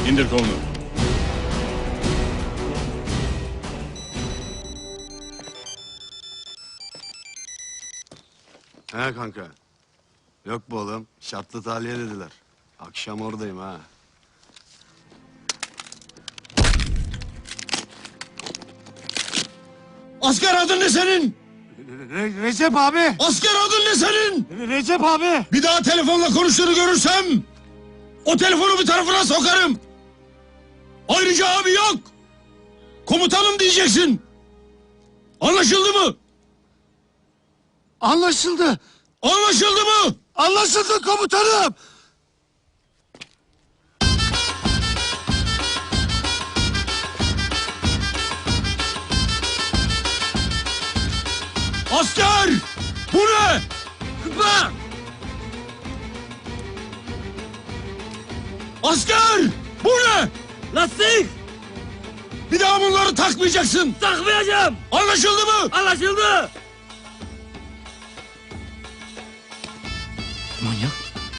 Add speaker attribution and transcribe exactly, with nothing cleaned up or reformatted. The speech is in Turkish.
Speaker 1: İndir kolunu.
Speaker 2: He kanka. Yok bu oğlum. Şartlı tahliye dediler. Akşam oradayım ha.
Speaker 3: Asker adın ne senin?
Speaker 2: Re Recep abi.
Speaker 3: Asker adın ne senin?
Speaker 2: Re Recep abi.
Speaker 3: Bir daha telefonla konuştuğunu görürsem o telefonu bir tarafına sokarım. Ayrıca abi yok. Komutanım diyeceksin. Anlaşıldı mı?
Speaker 2: Anlaşıldı.
Speaker 3: Anlaşıldı mı?
Speaker 2: Anlaşıldı komutanım.
Speaker 3: Asker! Bu ne?
Speaker 4: Kıpla!
Speaker 3: Asker! Bu ne?
Speaker 4: Lastik!
Speaker 3: Bir daha bunları takmayacaksın.
Speaker 4: Takmayacağım!
Speaker 3: Anlaşıldı mı?
Speaker 4: Anlaşıldı!
Speaker 5: Manyak.